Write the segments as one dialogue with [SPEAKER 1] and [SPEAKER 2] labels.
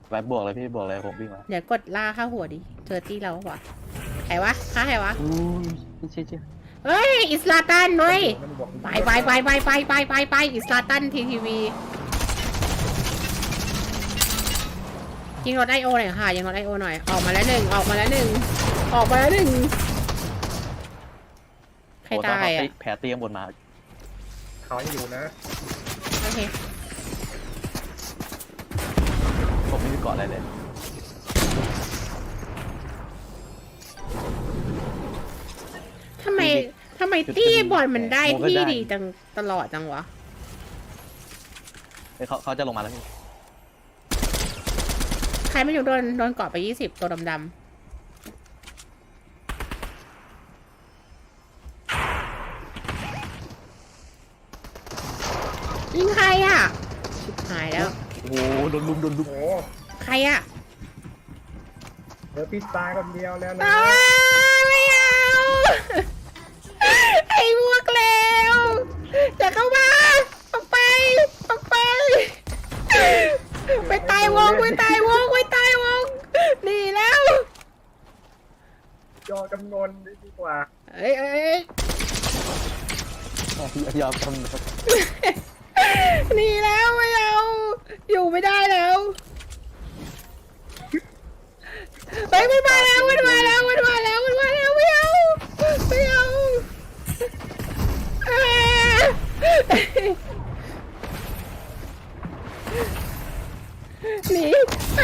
[SPEAKER 1] ไปบวกเลยพี่บวกเลยผมวิ่งมา
[SPEAKER 2] เดี๋ยวกดล่าเข้าหัวดิเจอตี้เราวะใครวะฆ่าใครวะ
[SPEAKER 1] อุ้ยเชี่ย
[SPEAKER 2] เฮ้ยอิสลาตันเว้ย
[SPEAKER 3] มันบอก
[SPEAKER 2] ไปอิสลาตันทีวียิงรถไอโอหน่อยค่ะยิงรถไอโอหน่อยออกมาแล้วหนึ่งใครตายอ่ะ
[SPEAKER 1] แผลเตียงบนมา
[SPEAKER 3] เขายังอยู่นะ
[SPEAKER 2] โอเค
[SPEAKER 1] ผมไม่มีเกาะอะไรเลย
[SPEAKER 2] ทำไมตี้บอลมันได้ที่ดีจังตลอดจังวะ
[SPEAKER 1] เขาจะลงมาแล้วพี่
[SPEAKER 2] ใครไม่อยู่โดนเกาะไป20ตัวดำยิงใครอ่ะชิบหายแล้ว
[SPEAKER 1] โอ้โหโดนลุม
[SPEAKER 3] โอ้โห
[SPEAKER 2] ใครอ่ะ
[SPEAKER 3] เหลือพี่ตายคนเดียวแล้วนะ
[SPEAKER 2] ไม่เอาไอ้พวกเลวอย่าเข้ามาออกไปไปตายวงหนีแล้ว
[SPEAKER 3] ยอจำนวนดีกว่า
[SPEAKER 2] เอ้ย
[SPEAKER 1] ยอมทำ
[SPEAKER 2] หนีแล้วไม่เอาอยู่ไม่ได้แล้วเฮ้ยมันมาแล้วไม่เอาหนีไป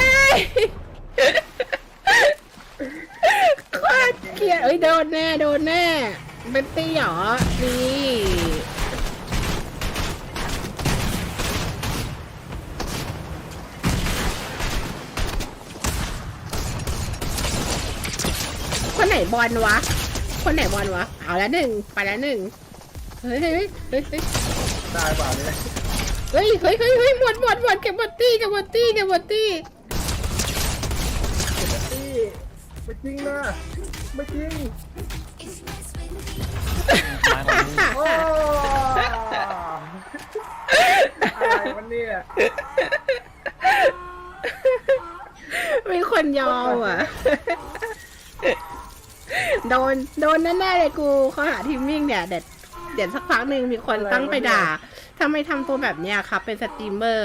[SPEAKER 2] โคตรเกลียดเอ้ยโดนแน่เป็นตี้หรอนี่คนไหนบอลวะเอาแล้วหนึ่งไปแล้วหนึ่งเฮ้ย
[SPEAKER 3] ได้เปล่าเนี่ย
[SPEAKER 2] หมดเก็บบอตตี้
[SPEAKER 3] ตี้ไม่จริงนะไม่จริงโอ้อะไรวันนี้
[SPEAKER 2] มีคนยอมอ่ะ โดนแน่ๆเลยกูเขาหาทีมมิ่งเนี่ยเดี๋ยวสักพักหนึ่งมีคนตั้งไปด่าทำไมทำตัวแบบเนี้ยครับเป็นสตรีมเมอร์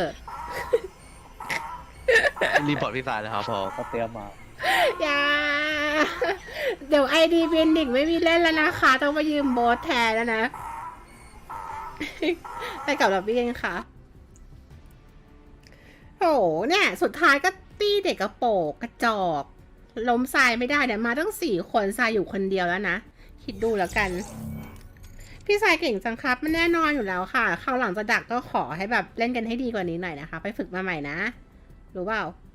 [SPEAKER 4] รีพอร์ตพี่ฟ้าเลยครับพอ
[SPEAKER 1] เขาเตรียมมา
[SPEAKER 2] อย่าเดี๋ยวไอดีเป็นดิกไม่มีเล่นแล้วนะคะต้องมายืมโบสแทนแล้วนะ ไปกับเราพี่เองค่ะโอ้โหเนี่ยสุดท้ายก็ตีเด็กกระโปงกระจอกล้มทรายไม่ได้เนี่ยมาตั้ง4 คนทรายอยู่คนเดียวแล้วนะคิดดูแล้วกันพี่ทรายเก่งจังครับมันแน่นอนอยู่แล้วค่ะคราวหลังจะดักก็ขอให้แบบเล่นกันให้ดีกว่านี้หน่อยนะคะไปฝึกมาใหม่นะรู้เปล่า